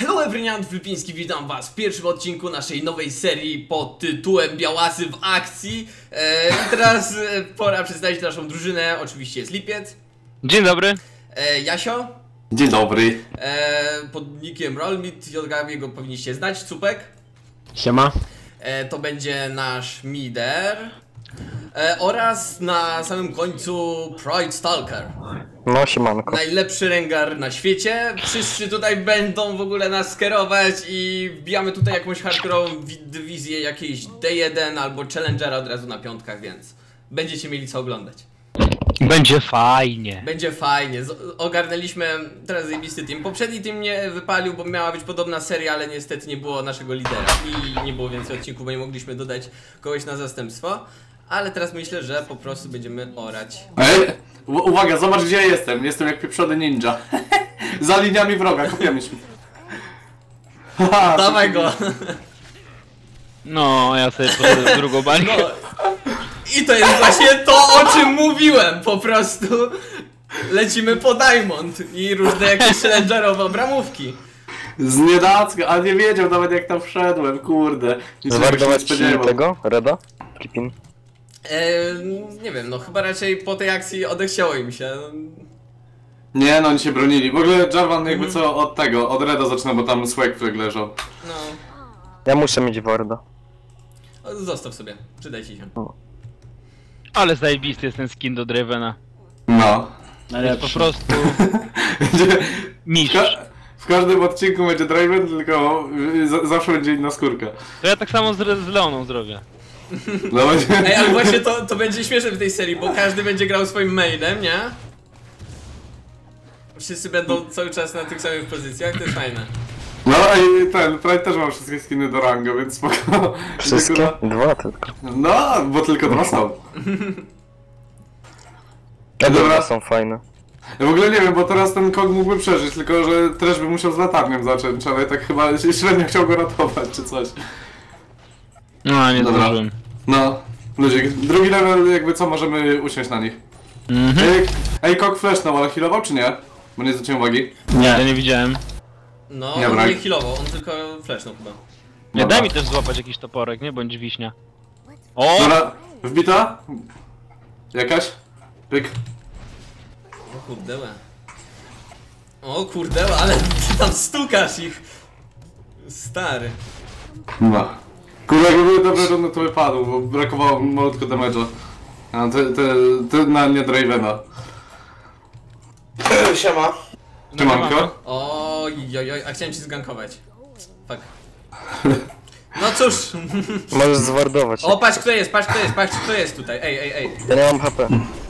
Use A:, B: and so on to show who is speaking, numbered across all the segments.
A: Hello everyone, Filipiński, witam was w pierwszym odcinku naszej nowej serii pod tytułem Białasy w akcji. I teraz pora przedstawić naszą drużynę. Oczywiście jest Lipiec.
B: Dzień dobry.
A: Jasio.
C: Dzień dobry.
A: Pod nickiem Rollmit, jego powinniście znać. Cupek.
B: Siema.
A: To będzie nasz Mider. Oraz na samym końcu Pride Stalker.
D: No siemanko.
A: Najlepszy rengar na świecie. Wszyscy tutaj będą w ogóle nas kierować i wbijamy tutaj jakąś hardkorową dywizję, jakiejś D1 albo Challengera od razu na piątkach, więc będziecie mieli co oglądać.
B: Będzie fajnie.
A: Będzie fajnie. Ogarnęliśmy teraz zajebisty team. Poprzedni team nie wypalił, bo miała być podobna seria, ale niestety nie było naszego lidera i nie było więcej odcinków, bo nie mogliśmy dodać kogoś na zastępstwo. Ale teraz myślę, że po prostu będziemy orać.
C: Ej, uwaga, zobacz gdzie ja jestem. Jestem jak pieprzony ninja. Za liniami wroga, kopiamy się.
A: Dawaj go!
B: No, ja sobie poszedłem w drugą bańkę.
A: No. I to jest właśnie to, o czym mówiłem, po prostu lecimy po Diamond i różne jakieś challengerowe bramówki.
C: Z niedacka, a nie wiedział nawet jak tam wszedłem, kurde.
D: Zawardować ci tego? Reda? Kipin?
A: Nie wiem, no chyba raczej po tej akcji odechciało im się.
C: Nie no, oni się bronili. W ogóle Jarvan jakby co od tego, od Reda zaczyna, bo tam Swagflag leżał.
A: No,
D: Ja muszę mieć Warda.
A: zostaw sobie, przydaj ci się.
B: Ale zajebisty jest ten skin do Dravena.
C: No.
B: Jest po prostu mistrz.
C: W każdym odcinku będzie Draven, tylko zawsze będzie inna skórka.
B: To ja tak samo z Leoną zrobię.
C: No będzie...
A: Ej, ale właśnie to będzie śmieszne w tej serii, bo każdy będzie grał swoim mainem, nie? Wszyscy będą cały czas na tych samych pozycjach, to jest fajne.
C: No i ten, Pride też ma wszystkie skiny do rango, więc spoko.
D: Wszystkie? Dwa tylko.
C: No, bo tylko dwa są.
D: Te
C: Dobra.
D: dobra są fajne.
C: Ja w ogóle nie wiem, bo teraz ten kog mógłby przeżyć, tylko że też by musiał z latarnią zacząć, ale tak chyba średnio chciał go ratować czy coś.
B: No, nie
C: Dobra.
B: zdążyłem.
C: No, ludzie, drugi level jakby co, możemy usiąść na nich. Ej, kog flashnął, ale healował czy nie? Bo nie zwróciłem uwagi.
B: Nie. Ja nie widziałem.
A: No,
C: Nie,
A: on
C: brak.
A: nie healował, on tylko flashnął chyba.
B: Nie,
C: Dobra.
B: daj mi też złapać jakiś toporek, nie? Bądź wiśnia. O!
C: Dobra, wbita? Jakaś? Pyk.
A: O kurdełe. O kurdełe, ale ty tam stukasz ich. Stary.
C: No. Kurde, jakby były dobre rundy, to by padł, bo brakowało malutko damage'a. A te na nie Dravena.
E: Siema.
C: Trzymanko?
A: Oj, a chciałem ci zgankować. Fuck. No cóż.
D: Możesz zwardować.
A: O, patrz kto jest, patrz kto jest tutaj. Ej.
D: Ja nie mam HP.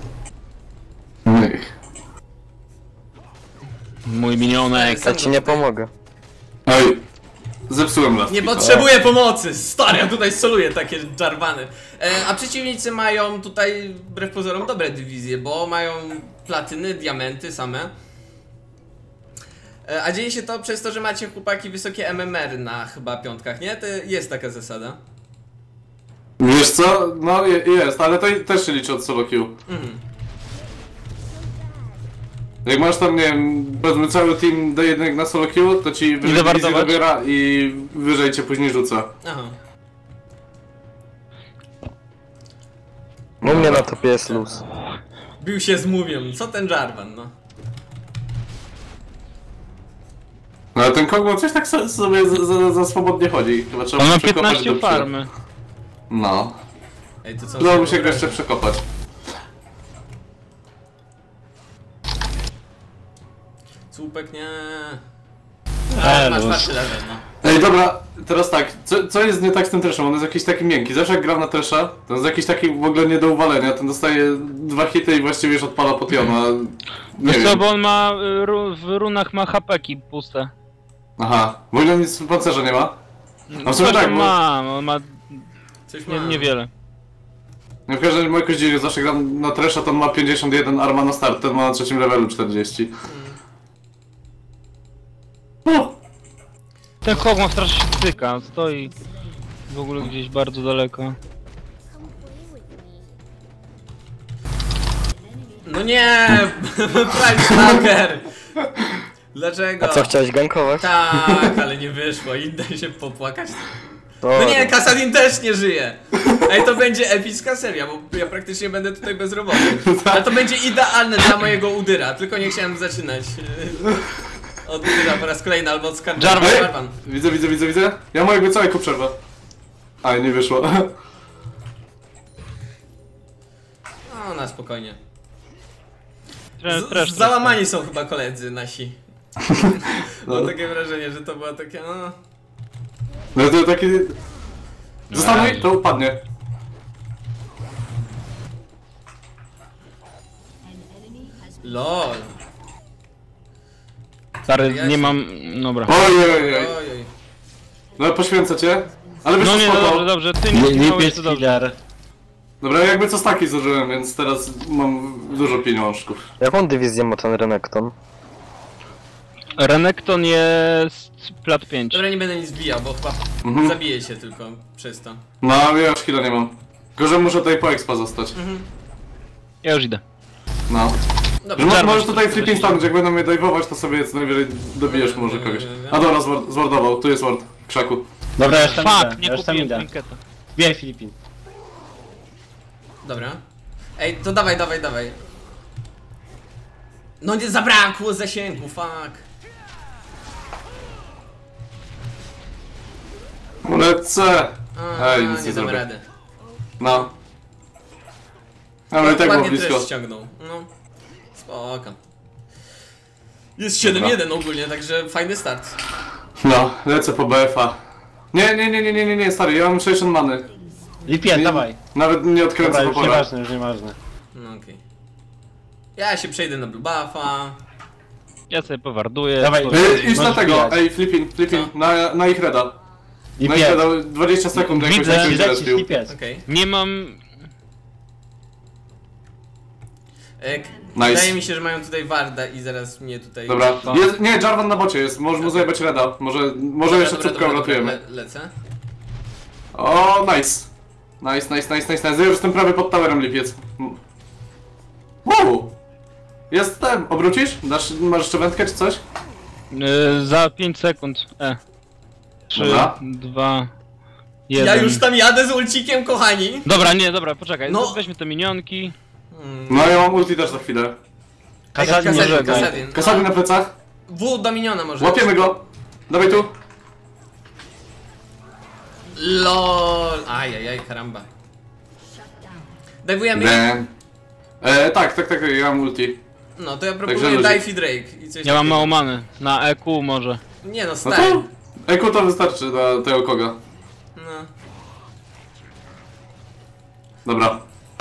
B: Mój minionek.
D: Ja ci nie pomogę.
C: Oj, zepsułem las.
A: Nie potrzebuję pomocy! Stary, ja tutaj soluję takie Jarvany. A przeciwnicy mają tutaj, wbrew pozorom, dobre dywizje, bo mają platyny, diamenty same. A dzieje się to przez to, że macie chłopaki wysokie MMR na chyba piątkach, nie? To jest taka zasada.
C: Wiesz co? No jest, ale to też się liczy od solo queue. Jak masz tam, nie wiem, powiedzmy cały team D1 na solo queue, to ci wyżej dywizję
B: zawartować?
C: dobiera i wyżej cię później rzuca.
A: Aha.
D: U mnie na topie jest luz.
A: Bił się z mumią. Co ten Jarvan, no?
C: No ale ten Kogmo coś tak sobie za swobodnie chodzi. Chyba trzeba
B: On ma
C: przekopać
B: 15
C: do
B: farmy.
C: No.
A: Ej, to co?
C: Udało się go jeszcze przekopać.
A: Słupek, nie.
B: Elo.
A: Masz czwarty level, no.
C: Ej, dobra, teraz tak, co jest nie tak z tym treszem? On jest jakiś taki miękki. Zawsze jak gram na tresza, to jest jakiś taki w ogóle nie do uwalenia. Ten dostaje 2 hity i właściwie już odpala potiona. Nie
B: Wiesz co,
C: wiem.
B: bo on ma, w runach ma hapeki puste.
C: Aha, w ogóle nic w pancerza nie ma? A w sumie
B: Coś
C: tak,
B: tam
C: bo...
B: ma, on ma
A: Coś ma.
B: niewiele.
C: W każdym razie jakoś dziwnie, zawsze gram na tresza, to on ma 51 arma na start, ten ma na 3 levelu 40. O!
B: Ten Hog ma strasznie się styka, stoi w ogóle gdzieś bardzo daleko.
A: No nie! Prime Stalker! Dlaczego?
D: A co, chciałeś gankować?
A: Tak, ale nie wyszło i daj się popłakać. No
D: Dobra.
A: nie, Kasadin też nie żyje. Ej, to będzie epicka seria, bo ja praktycznie będę tutaj bezrobotny. Ale to będzie idealne dla mojego Udyra, tylko nie chciałem zaczynać od Udyra po raz kolejny, albo od Skarbu.
B: Jarvan.
C: Widzę. Ja mojego całego przerwę. A, nie wyszło.
A: No, na spokojnie.
B: Trash,
A: Załamani są chyba koledzy nasi.
C: No.
A: Mam takie wrażenie, że to było takie, no...
C: No to taki... Zostanuj, to upadnie.
A: LOL.
B: Stary,
A: Ja
B: nie
A: się-
B: mam... Dobra.
C: Ojej.
A: Ojoj.
C: No poświęcę cię. Ale wiesz
B: No
C: co,
B: nie, no
C: spoko.
B: dobrze, ty nie skipałeś, to dobrze.
C: Dobra, jakby co staki zużyłem, więc teraz mam dużo pieniążków.
D: Jaką dywizję ma ten Renekton?
B: Renekton jest plat 5.
A: Dobra, nie będę nic bijał, bo chyba
C: Mhm.
A: zabiję się tylko przez to.
C: No, ja już chwilę nie mam. Tylko, że muszę tutaj po expa zostać.
B: Ja już idę.
C: No.
A: Dobra,
C: Że
B: Jarvan
C: możesz tutaj
B: się
C: flipping
B: wróci.
C: stanąć, jak będą mnie dajwować, to sobie co najwyżej dobijesz może kogoś. A dobra, zwardował, tu jest ward, w krzaku.
E: Dobra, ja już tam
B: Fuck,
E: idę,
B: nie
E: ja już tam
B: kupiłem
E: idę.
B: trinketa.
E: Bijaj Filipin.
A: Dobra. Ej, to dawaj. No nie, zabrakło zasięgu, fuck.
C: Lecę!
A: A,
C: Ej, nic nie
A: nie damy
C: zrobię.
A: rady.
C: No. Ale i tak było
A: Ładnie
C: blisko.
A: też ściągnął. No. Spoko. Jest 7-1 ogólnie, także fajny start.
C: No, lecę po BF-a. Nie, stary, ja mam 60 many.
E: Lipien, dawaj.
C: Nawet nie odkręcę
E: Dobra, już
C: popora.
E: nieważne, już nieważne.
A: No okej. Ja się przejdę na blue buffa.
B: Ja sobie powarduję.
E: Dawaj.
C: Idź na
E: Możesz
C: tego,
E: bijać.
C: ej, flipping, na ich reda. Na ich
E: Lipien,
C: reda, 20 sekund jakoś
B: Widzę.
C: tak się
E: lecisz,
C: zrespił.
E: Lipien.
A: Okej.
B: Nie mam...
A: Wydaje mi się, że mają tutaj Warda i zaraz mnie tutaj...
C: Dobra, jest, nie, Jarvan na bocie jest, możesz mu zajebać reda. Może jeszcze cupkę uratujemy.
A: Lecę.
C: O, nice. Nice. Ja już jestem prawie pod towerem, lipiec. Wow! Jestem! Obrócisz? Masz jeszcze wędkę czy coś?
B: Za 5 sekund. 3,
C: Dobra.
B: 2, 1.
A: Ja już tam jadę z ulcikiem, kochani.
B: Dobra, poczekaj.
A: No.
B: Weźmy te minionki.
C: No ja mam ulti też za chwilę.
E: Kasadin nie
B: Kasadin,
E: żegaj.
A: Kasadin.
C: Kasady na plecach.
A: W do miniona może.
C: Łapiemy go. Dawaj tu.
A: LOL. Ajajaj, karamba. Dajwujemy?
C: Nie. Tak, ja mam ulti.
A: No to ja
C: Także
A: proponuję
C: ludzi.
A: Dive i Drake i coś
B: Ja mam
A: takiego.
B: mało many. Na EQ może.
A: Nie no,
C: No
A: stary.
C: to... Eku to wystarczy dla tego koga.
A: No.
C: Dobra.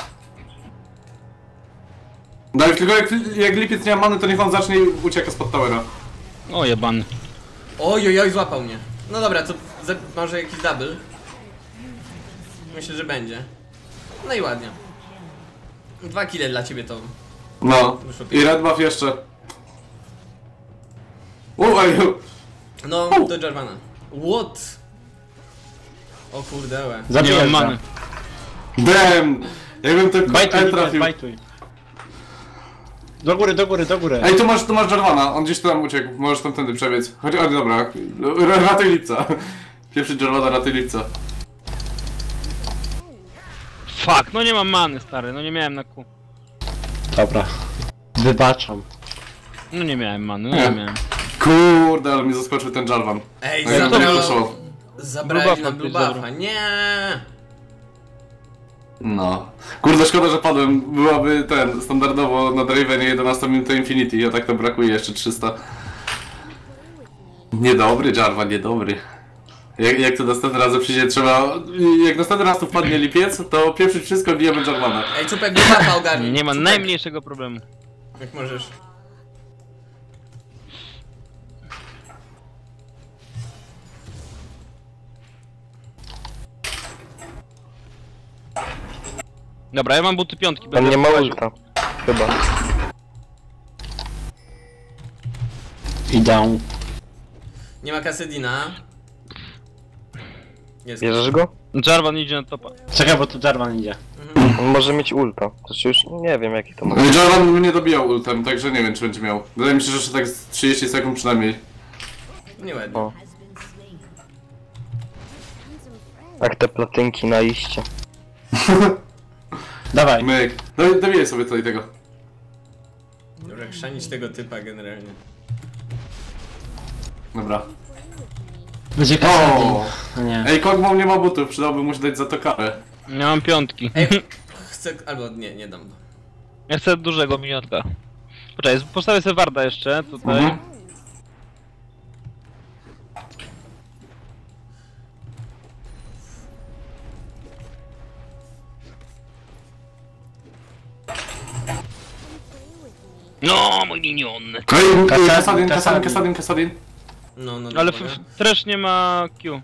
C: Daj, tylko jak lipiec nie ma many, to niech on zacznie i ucieka spod towera.
B: O jebany.
A: Ojojoj, złapał mnie. No dobra, to może jakiś double. Myślę, że będzie. No i ładnie. 2 kile dla ciebie to.
C: No.
A: Wyszło
C: I red buff jeszcze. Ej,
A: No, do Jarvana. What? O kurdełe.
B: Nie
E: Zabijaj
B: mam many.
C: damn! Jakbym to
E: Bajtuj,
C: E
E: Lipien,
C: trafił.
E: bajtuj. Do góry.
C: Ej, tu masz Jarvana, on gdzieś tam uciekł, możesz tamtędy przebiec. Chodź, dobra, ratuj lipca. Pierwszy Jarvana, ratuj lipca.
B: Fuck, no nie mam many, stary. No nie miałem na Q.
E: Dobra. Wybaczam.
B: No nie miałem many, no
C: Nie.
B: nie miałem.
C: Kurde, ale mi zaskoczył ten Jarvan.
A: Ej,
C: No jak to
A: zabrał...
C: wyszło?
A: Zabrali
B: Blue
A: na
B: buffa
A: blue
B: ktoś
A: buffa.
B: zabrał.
A: Nie.
C: No. Kurde, szkoda, że padłem. Byłaby standardowo na Dravenie 11 minut Infinity, a tak to brakuje jeszcze 300. Niedobry Jarvan, niedobry. Jak to następnym razem przyjdzie, trzeba... Jak następny raz tu wpadnie lipiec, to pieprzyć wszystko, bijemy Jarvana.
A: Ej, Czupek, blue buffa ogarnij.
B: Nie ma
A: Czupek,
B: najmniejszego problemu.
A: Jak możesz.
B: Dobra, ja mam buty piątki.
D: On
B: Będę
D: nie ma
B: wchodził.
D: ulta. Chyba.
E: Idę.
A: Nie ma Kasedina. Jest.
D: Bierzesz go?
B: Jarvan idzie na topa.
E: Czekaj, bo tu Jarvan idzie.
D: On może mieć ulta. Znaczy już nie wiem jaki to ma.
C: Jarvan mnie dobijał ultem, także nie wiem czy będzie miał. Wydaje mi się, że jeszcze tak z 30 sekund przynajmniej.
A: Nieładnie.
D: O. Jak te platynki na iście.
E: Dawaj.
C: Myk. Dobijaj sobie tutaj tego.
A: Dobra, chrzanić tego typa generalnie.
C: Dobra.
E: Będzie Kasadin.
C: O!
E: No nie.
C: Ej, Kog'Maw nie ma butów, przydałoby mu się dać za to karę.
B: Ja mam piątki.
A: Ej, chcę... albo nie dam.
B: Ja chcę dużego miniotka. Poczekaj, postawię sobie warda jeszcze tutaj.
C: Mhm.
B: No, mój minion.
C: Ej,
E: Kasadin.
C: Kasadin.
A: No,
B: Ale
A: dobra.
B: też nie ma Q.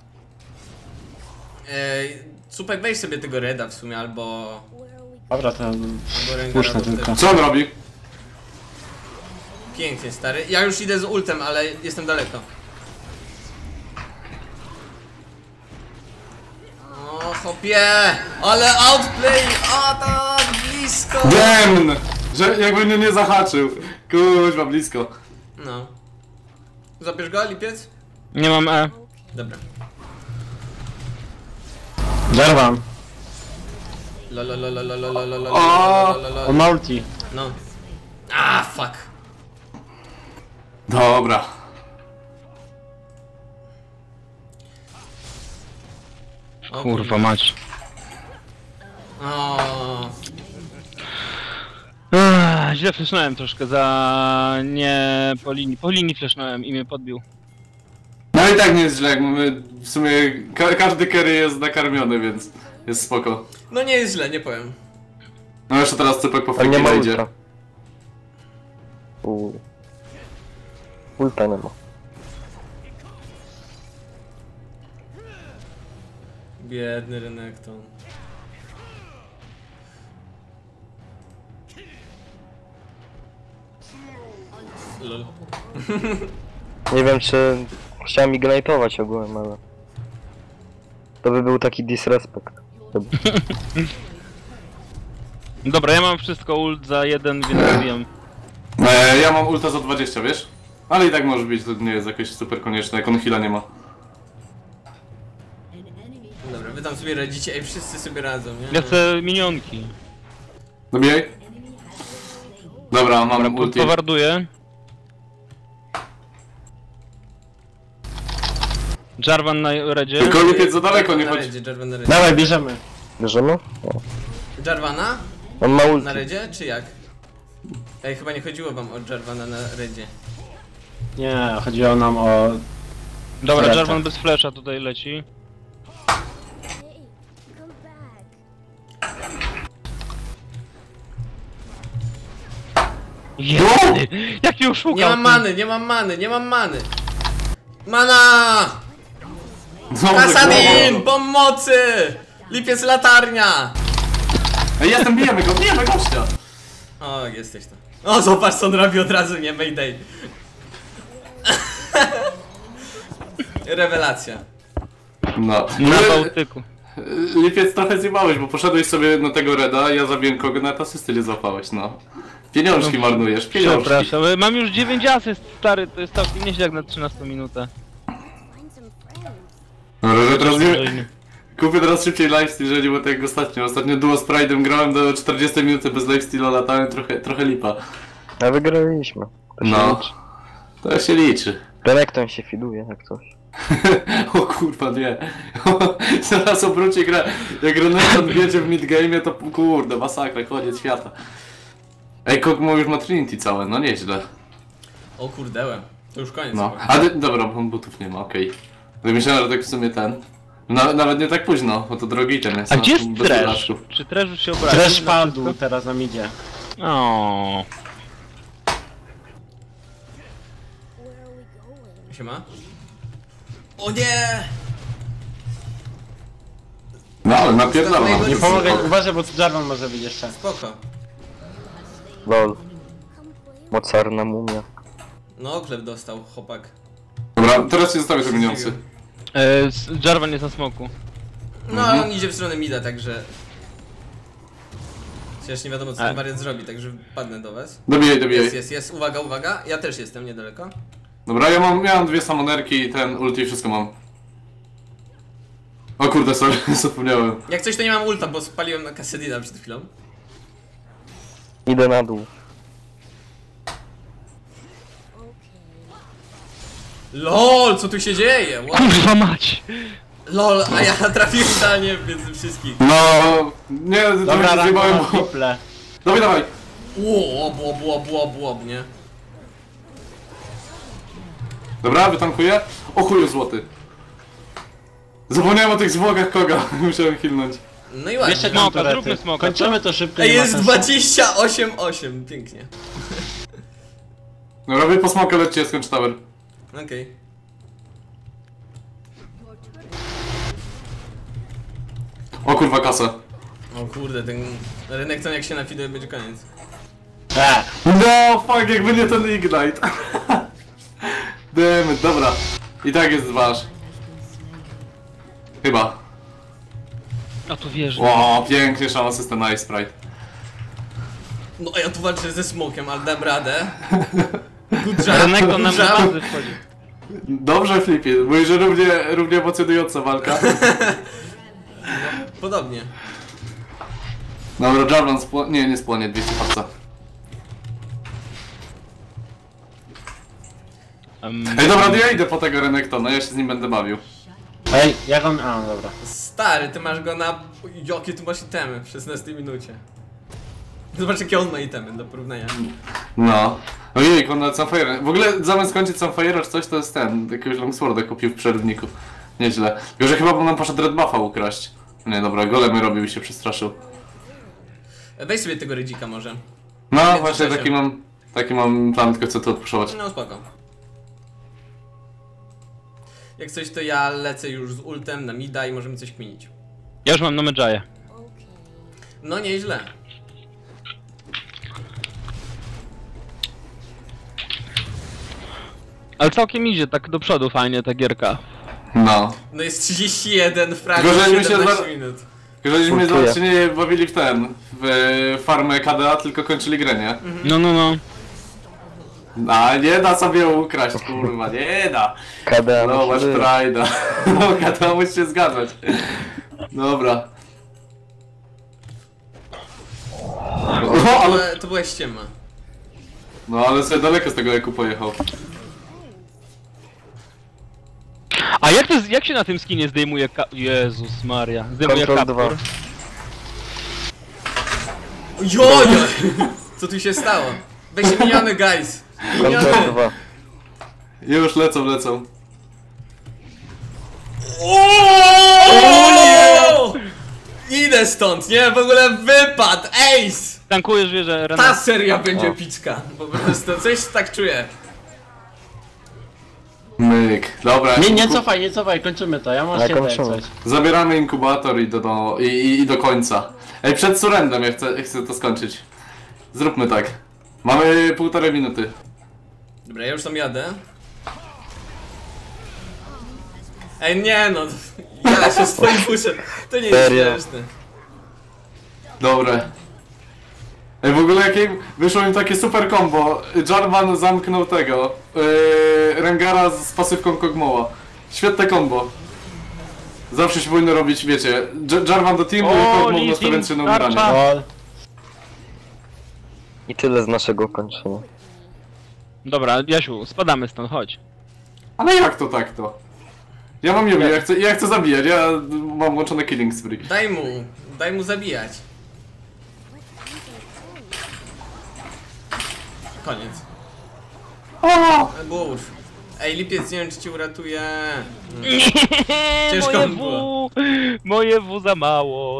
A: Supek, weź sobie tego Reda w sumie, albo
E: Dobra, to
A: Rengara,
E: puszczę
A: bo
E: tylko.
A: wtedy-
C: Co on robi?
A: Pięknie, stary. Ja już idę z ultem, ale jestem daleko. O, hopie! Ale outplay! O, tak blisko!
C: Demn! Że jakby mnie nie zahaczył. Kuźwa, blisko.
A: No. Zabierz go, lipiec?
B: Nie mam E.
A: Dobra.
E: Jarvan. On ma ulti.
A: No. Ah, fuck.
C: Dobra.
A: O,
B: Kurwa mać.
A: O,
B: Źle flashnąłem troszkę za... nie... po linii flashnąłem i mnie podbił.
C: No i tak nie jest źle, jak mamy w sumie każdy carry jest nakarmiony, więc jest spoko.
A: no nie jest źle, nie powiem.
C: No jeszcze teraz Cypek po
D: Ale nie ma
C: fake idzie.
D: ulta. Ulta nie ma.
A: Biedny Renekton. Lol.
D: Nie wiem czy chciałem ignite'ować ogółem, ale... To by był taki disrespect. Chyba.
B: Dobra, ja mam wszystko ult za 1, więc wiem.
C: Ja mam ulta za 20, wiesz? Ale i tak może być, to nie jest jakieś super konieczne, jak on heala nie ma.
A: Dobra, wy tam sobie radzicie, ej, wszyscy sobie radzą, nie?
B: Ja chcę minionki.
C: Dobijaj. Dobra, mam ulti.
B: Powarduję. Jarvan na redzie.
C: Tylko lipiec za daleko, nie
A: Na
C: chodź.
A: redzie, Jarvan na redzie.
E: Dawaj, bierzemy.
D: Bierzemy? O.
A: Jarvana?
D: On ma ulti.
A: Na redzie, czy jak? Ej, chyba nie chodziło wam o Jarvana na redzie.
E: Nie, chodziło nam o...
B: Dobra,
E: Lecę.
B: Jarvan bez flasha tutaj leci. Jedy! Jak mnie oszukał!
A: Nie mam
B: ty.
A: many, nie mam many, nie mam many! Mana!
C: Dobrze,
A: Kasadin!
C: głowa.
A: Pomocy! Lipiec latarnia!
C: Ej, bijemy gościa!
A: O, jesteś tam. O, zobacz co on robi od razu, nie Mayday. Rewelacja.
C: No.
B: Na Bałtyku.
C: Lipiec trochę zjebałeś, bo poszedłeś sobie na tego Reda, ja zabiłem kogo, na asysty nie złapałeś, no. Pieniążki marnujesz, pieniążki.
B: Przepraszam, mam już 9 asyst, stary, to jest całkiem nieźle jak na 13 minutę.
C: Dobra, że teraz nie... Kupię teraz szybciej lifesteal, jeżeli było tak jak ostatnio. Ostatnio duo z Pride'em grałem do 40 minuty bez lifesteala, latałem trochę lipa.
D: A wygraliśmy. To się
C: No.
D: liczy.
C: To się liczy.
D: Renekton się fiduje jak coś.
C: O kurwa, nie. Zaraz obróci grę. Jak Renekton wiedzie w midgame'ie, to kurde, masakra, koniec świata. Ej, Kog'Maw już ma Trinity całe, no nieźle.
A: O kurdełem. To już koniec.
C: No,
A: chyba.
C: dobra, bo butów nie ma, okej. Myślałem, że tak w sumie ten... nawet nie tak późno, bo to drogi ten jest.
B: A
C: no,
B: gdzie jest
C: bez
B: Trash?
C: dodatków.
B: Czy Trash już się obraził?
E: Trash
B: na
E: padł,
B: wszystko?
E: teraz nam idzie.
B: O.
A: Siema. O nie!
C: No, ale napierdalam.
A: Nie
E: Nie pomogę, uważaj, bo tu Jarvan może być jeszcze.
A: Spoko.
D: Lol. Mocarna mumia.
A: No, oklep dostał, chłopak.
C: Dobra, teraz się zostawię te minionsy.
B: Jarvan jest na smoku.
A: No, ale on idzie w stronę mida, także... Chociaż nie wiadomo co ten wariat zrobi, także padnę do was.
C: Dobijaj.
A: Jest, uwaga, uwaga. Ja też jestem niedaleko.
C: Dobra, miałem dwie samonerki i ten ulti i wszystko mam. O kurde, sorry, zapomniałem.
A: Jak coś to nie mam ulta, bo spaliłem na Kassadina przed chwilą.
D: Idę na dół.
A: LOL, co tu się dzieje? What?
B: Kurwa mać!
A: LOL, a ja trafiłem idealnie między wszystkich.
C: No, nie,
E: Dobra,
C: trochę się zjebałem,
E: rankowa
C: bo...
E: triple.
C: Dawaj.
A: Łob, nie?
C: Dobra, wytankuję. O chuju złoty. Zapomniałem o tych zwłokach koga, musiałem hilnąć.
A: No i ładnie.
E: Jeszcze
B: Smoka,
E: tam turety.
B: zróbmy smoka,
E: Kończymy to szybko.
A: Ej,
E: nie ma
A: jest
E: sensu.
A: 28-8, pięknie.
C: Dobra, wy po smokę lećcie, skończ tower.
A: Okej.
C: O kurwa, kasa.
A: O kurde, ten rynek to jak się nafiduje będzie koniec.
C: No, fuck, jakby nie ten ignite. Damn it, dobra. I tak jest wasz. Chyba.
B: A tu wierzę.
C: O, pięknie, szan asystent na Ice Sprite.
A: No a ja tu walczę ze smokiem, ale dam radę. Good job,
B: Renekton nam
A: good
B: na
A: job.
B: bazy wchodzi.
C: Dobrze, Flippy, mówi, że równie emocjonująca walka.
A: Podobnie.
C: Dobra, Javelin spłonie, nie spłonie, 200 farca. Ej, dobra, to ja idę po tego Renektona, ja się z nim będę bawił.
E: Ej, jak on... A, dobra.
A: Stary, ty masz go na... Jakie tu masz itemy w 16 minucie. Zobacz jakie on ma itemy do porównania.
C: No. Ojej, on na Sunfire. W ogóle zamiast skończyć Sunfire'a czy coś, to jest ten, jakiegoś Longsworda kupił w przerwniku. Nieźle. Tylko, że chyba nam poszedł Red Buffa ukraść. Nie, dobra, golemy robił i się przestraszył.
A: Weź sobie tego rydzika może.
C: No,
A: Nie,
C: właśnie
A: to
C: taki mam plan, tylko chcę to odpuszować.
A: No spoko. Jak coś to ja lecę już z ultem na mida i możemy coś kminić.
B: Ja już mam na Medjaya.
A: No nieźle.
B: Ale całkiem idzie tak do przodu fajnie ta gierka.
C: No.
A: No jest 31 fragów,
C: Gorzej mi się
A: 17
C: za-
A: minut.
C: Tylko, żeśmy
D: Dziękuję.
C: się nie bawili w ten, w farmę KDA, tylko kończyli grę, nie?
B: No.
C: A nie da sobie ukraść, kurwa, nie da.
D: KD,
C: No, masz prajda. No, KDA musi się zgadzać. Dobra. O, ale...
A: To była ściema.
C: No, ale sobie daleko z tego eku pojechał.
B: A jak się na tym skinie zdejmuje Jezus Maria. Zdejmuje
D: Control
B: kaptur.
D: 2.
A: Jojo! Co tu się stało? Weź się miniony, guys!
D: Control
A: Miniony!
D: 2.
C: Już lecą.
A: O! Idę stąd, nie? W ogóle wypad! Ace!
B: Tankujesz wieżę
A: Ta
B: Renekton.
A: seria będzie picka. Po prostu coś tak czuję.
C: Myk. Dobra.
E: Nie cofaj, kończymy to. Ja mam
D: Ale
E: się
D: kończymy.
E: coś.
C: Zabieramy inkubator i do końca. Ej, przed surrendem ja chcę to skończyć. Zróbmy tak. Mamy 1,5 minuty.
A: Dobra, ja już tam jadę. Ej, nie no. Ja się z twoim puszem. To nie jest
D: Serio?
A: śmieszne.
C: Dobre. Ej, w ogóle jakie wyszło im takie super combo. Jarvan zamknął tego. Rengara z pasywką Kog'Mawa. Świetne combo. Zawsze się powinno robić, wiecie. Jarvan do teamu i Kog'Maw
B: Lee
C: nastawiając się na
B: Sin,
C: umieranie.
B: tarcza.
E: Lol.
D: I tyle z naszego kończenia.
B: Dobra, Jasiu, spadamy stąd, chodź.
C: Ale jak to tak to? Ja mam Yumi, ja chcę zabijać, ja mam włączone killing spree.
A: Daj mu zabijać. Koniec.
C: O!
A: Burf. Ej, lipiec, nie wiem czy ci uratuje.
B: Nie,
A: Ciężko
B: moje
A: było.
B: moje W za mało.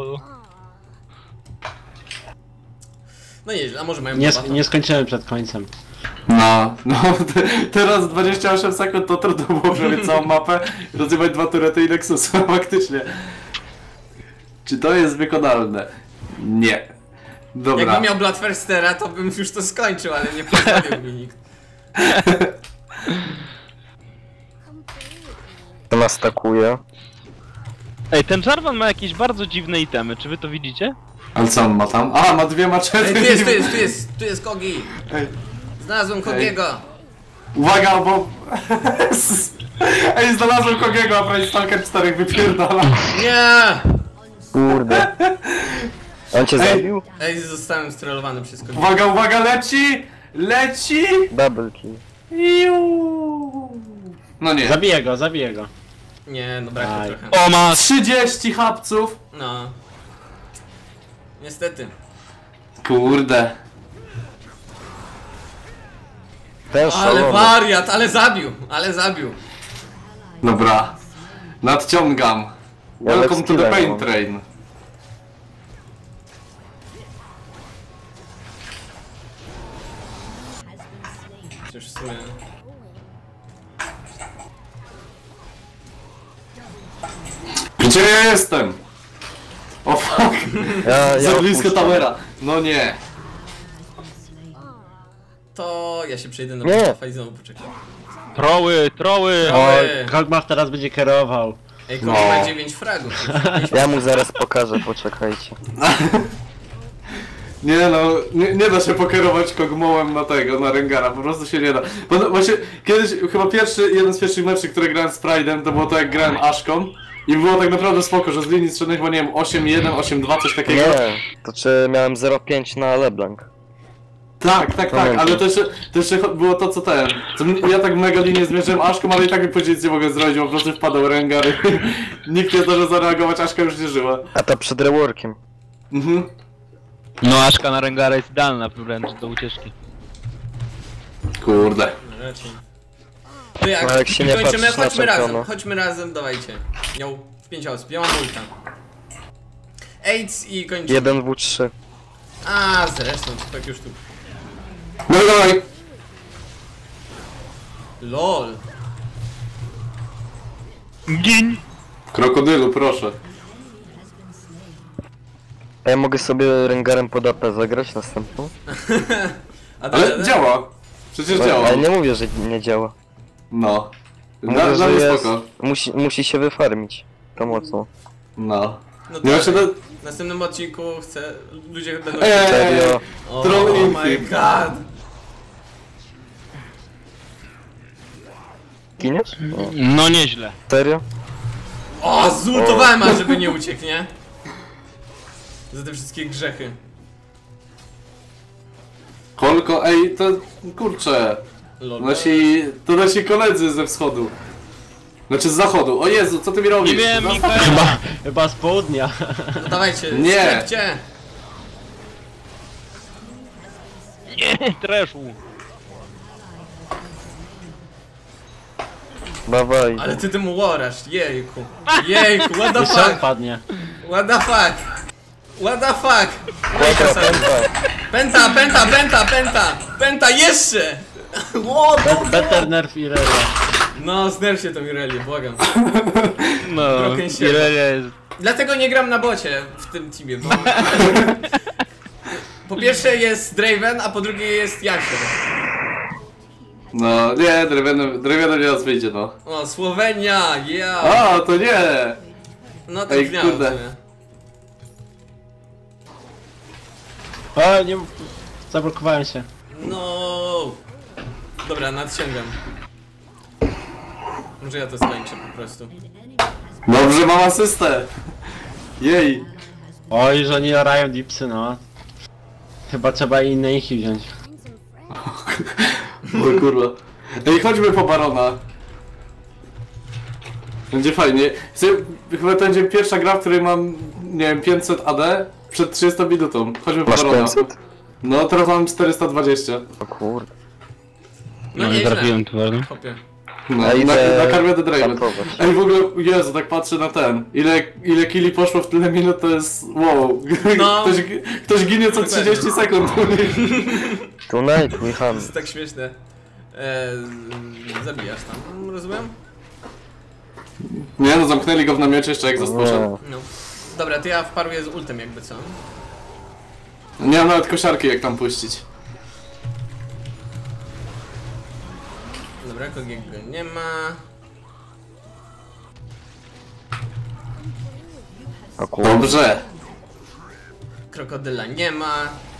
A: No nieźle, a może mają
E: Nie,
A: bata?
E: nie skończymy przed końcem.
C: No, teraz 28 sekund to trudno było przebiec całą mapę, rozjebać 2 turety i Nexusa, faktycznie. Czy to jest wykonalne? Nie. Dobra.
A: Jakbym miał Bloodthirstera, to bym już to skończył, ale nie pozwolił mi nikt.
D: To nas takuje.
B: Ej, ten Jarvan ma jakieś bardzo dziwne itemy, czy wy to widzicie?
C: Ale co on ma tam? A, ma dwie maczety.
A: Ej, tu jest Kogi!
C: Ej,
A: Znalazłem Kogiego!
C: uwaga, bo... Ej, znalazłem Kogiego, a Price Stalker 4 wypierdala.
A: Nie!
D: Kurde. On cię zabił?
A: Ej, zostałem strollowany przez Kogiego.
C: Uwaga, uwaga, leci! Leci!
D: Double kill.
C: Iu. No nie.
E: Zabiję go.
A: Nie, no brakło
E: Aj.
A: trochę.
B: O, ma!
C: 30 hapców!
A: No. Niestety.
C: Kurde.
D: Ten
A: Ale
D: szalony.
A: wariat, ale zabił.
C: Dobra. Nadciągam.
D: Ja
C: Welcome to the
D: skilla
C: pain
D: mam.
C: train.
A: Przecież w sumie...
C: Gdzie ja jestem? O fuck.
D: Ja
C: Za blisko
D: odpuszczam.
C: towera. No nie.
A: To ja się przejdę na
D: Nie.
A: buffa i znowu poczekam.
B: Troły!
A: Oj.
E: Kogmach teraz będzie kierował.
A: Ej, Kogi
C: No.
A: ma 9 fragów.
D: Ja mu zaraz pokażę, poczekajcie.
C: Nie no, nie da się pokierować kogmołem na tego, na Rengara, po prostu się nie da. Bo no, właśnie kiedyś, chyba jeden z pierwszych meczów, które grałem z Pride'em, to było to jak grałem Ashką. I było tak naprawdę spoko, że z linii strzelnych chyba nie wiem, 8-1, 8-2, coś takiego.
D: Nie, to czy miałem 0,5 na LeBlanc.
C: Tak,
D: Pamiętam.
C: ale to jeszcze było to co ten. Ja tak mega linię zmierzyłem Ashką, ale i tak mi powiedzieć nie mogę zrobić, bo po prostu wpadał Rengar. Nikt nie zdążył zareagować, Ashka już nie żyła.
D: A to przed reworkiem.
C: Mhm.
B: No, Aszka na Rengara jest idealna wręcz do ucieczki.
C: Kurde.
A: Raczej. To jak,
D: No, jak się nie
A: kończymy,
D: patrzysz na
A: chodźmy razem, dawajcie. Miał 5 osób, ja mam ulta. AIDS i kończymy.
D: 1w3.
A: A, zresztą, tak już tu.
C: No dawaj.
A: LOL.
B: Gin!
C: Krokodylu, proszę.
D: A ja mogę sobie Rengarem pod AP zagrać następną?
A: A
C: Ale działa. Przecież działa.
D: Ale nie mówię, że nie działa.
C: No.
D: Mówię,
C: Dla
D: że
C: mnie
D: jest...
C: spoko.
D: Musi się wyfarmić. To mocno.
C: No.
A: No
C: Nie
A: to
C: właśnie to...
A: w następnym odcinku chcę... Ludzie będą...
D: Serio.
A: Oh,
C: troll
A: my
C: infy.
A: god.
D: Giniesz? O.
B: No nieźle.
D: Serio?
A: O, zultowałem, a żeby nie uciekł, nie? Za te wszystkie grzechy.
C: Kolko, ej, to... Kurczę.
A: Lol.
C: To nasi koledzy ze wschodu. Znaczy z zachodu. O Jezu, co ty mi robisz?
B: Nie wiem,
C: No,
B: Mikael!
E: Chyba z południa.
A: No dawajcie,
C: Nie.
A: sklepcie.
B: Nie, treszu!
D: Dawaj.
A: Ale ty tym łorasz, jejku. Jejku, what the
E: Jeszcze
A: fuck?
E: padnie.
A: What the fuck? What the fuck?
D: Kłatra, pęta.
A: Penta, jeszcze! What?
E: Better nerf i relia.
A: No, znerw się to Mireli, błagam.
B: No,
A: Broken się.
B: Irelia jest...
A: Dlatego nie gram na bocie w tym teamie, bo... Po pierwsze jest Draven, a po drugie jest Jasier.
C: No, nie, drewianem nie nas wyjdzie, no.
A: O, Słowenia, yeah!
C: A, to nie!
A: No tak
C: Ej,
A: miałem w
C: kurde.
A: sumie.
E: O, nie... Zablokowałem się.
A: No. Dobra, nadciągam. Może ja to skończę po prostu.
C: Dobrze, mam asystę! Jej!
E: Oj, że nie orają dipsy, no. Chyba trzeba inne ich wziąć.
C: O kurwa. Ej, chodźmy po Barona. Będzie fajnie. Chyba to będzie pierwsza gra, w której mam, nie wiem, 500 AD przed 30 minutą. Chodźmy po
D: Masz
C: Barona.
D: 500?
C: No, teraz mam 420.
D: O kurde.
A: No,
B: No nie
A: nieźle.
B: trafiłem tu, ale...
A: Chłopie.
C: No,
D: A idę
C: na karmę The Draven.
D: kampować.
C: Ej, w ogóle, Jezu, tak patrzę na ten. Ile killi poszło w tyle minut, to jest wow.
A: No.
C: Ktoś ginie co 30 sekund.
D: Tonight we
A: To
D: hunt.
A: jest tak śmieszne. Zabijasz tam, rozumiem?
C: Nie no, zamknęli go w namiocie jeszcze jak poszedł.
D: Nie.
A: No. Dobra, to ja wparuję z ultem jakby co.
C: Nie mam nawet kosiarki jak tam puścić.
A: Dobra, Kogiego nie ma.
D: O kurwa.
C: Dobrze.
A: Krokodyla nie ma.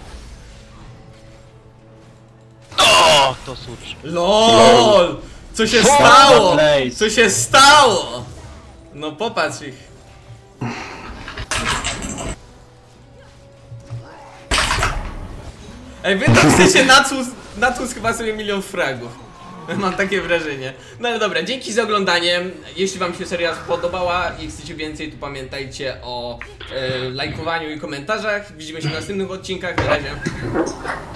B: O, to sucz.
A: LOL! Co się
E: What
A: stało?
E: the place?
A: Co się stało? No popatrz ich. Ej, wy tam chcecie natłuc chyba sobie 1 000 000 fragów. Mam takie wrażenie. No ale dobra, dzięki za oglądanie. Jeśli wam się seria spodobała i chcecie więcej, to pamiętajcie o lajkowaniu i komentarzach. Widzimy się w następnych odcinkach. Na razie.